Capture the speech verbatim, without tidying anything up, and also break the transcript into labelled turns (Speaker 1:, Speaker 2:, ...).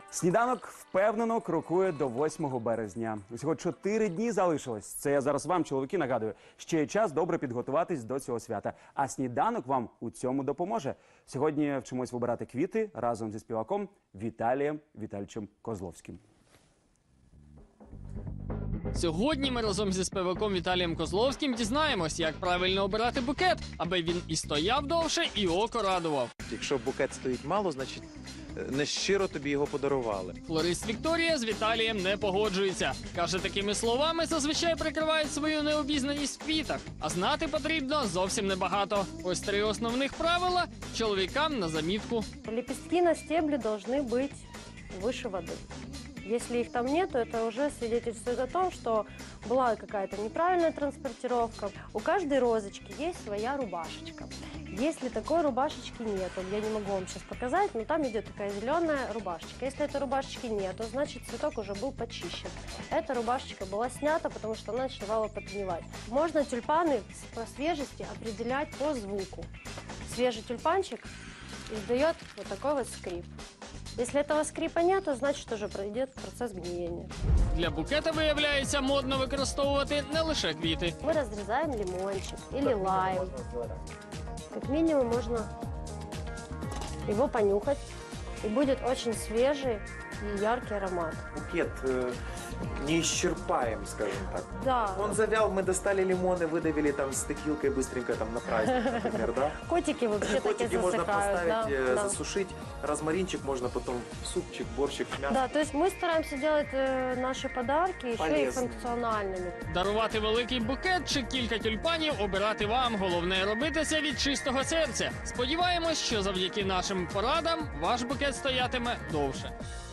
Speaker 1: Сніданок впевнено крокує до восьмого березня. Усього чотири дні залишилось. Це я зараз вам, чоловіки, нагадую. Ще є час добре підготуватись до цього свята. А сніданок вам у цьому допоможе. Сьогодні вчимось вибирати квіти разом зі співаком Віталієм Вітальовичем Козловським.
Speaker 2: Сьогодні ми разом зі співаком Віталієм Козловським дізнаємось, як правильно обирати букет, аби він і стояв довше, і око радував.
Speaker 3: Якщо букет стоїть мало, значить нещиро тобі його подарували.
Speaker 2: Флорист Вікторія з Віталієм не погоджується. Каже, такими словами зазвичай прикривають свою необізнаність в квітах. А знати потрібно зовсім небагато. Ось три основних правила чоловікам на замітку.
Speaker 4: Лепестки на стебле должны быть выше воды. Если их там нет, то это уже свидетельствует о том, что была какая-то неправильная транспортировка. У каждой розочки есть своя рубашечка. Если такой рубашечки нет, я не могу вам сейчас показать, но там идет такая зеленая рубашечка. Если этой рубашечки нет, то значит цветок уже был почищен. Эта рубашечка была снята, потому что она начинала подгнивать. Можно тюльпаны по свежести определять по звуку. Свежий тюльпанчик издает вот такой вот скрип. Если этого скрипа нет, то значит уже пройдет процесс гниения.
Speaker 2: Для букета, виявляється, модно використовувати не лише квіти.
Speaker 4: Мы разрезаем лимончик или лайм. Как минимум можно его понюхать, и будет очень свежий и яркий аромат.
Speaker 3: Букет э, не исчерпаем, скажем так.
Speaker 4: Да.
Speaker 3: Он завял, мы достали лимоны, выдавили там с текилкой быстренько там на праздник, например, да?
Speaker 4: Котики вообще
Speaker 3: Котики
Speaker 4: такие
Speaker 3: можно
Speaker 4: засыхают.
Speaker 3: поставить,
Speaker 4: Да,
Speaker 3: э,
Speaker 4: да.
Speaker 3: засушить. Розмаринчик можно потом в супчик, борщик, мясо.
Speaker 4: Да, то есть мы стараемся делать э, наши подарки еще и
Speaker 3: Полезными.
Speaker 4: функциональными.
Speaker 2: Дарувати великий букет чи кілька тюльпанів обирати вам. Головне робити це від чистого серця. Сподіваємось, що завдяки нашим порадам ваш букет стоятиме довше.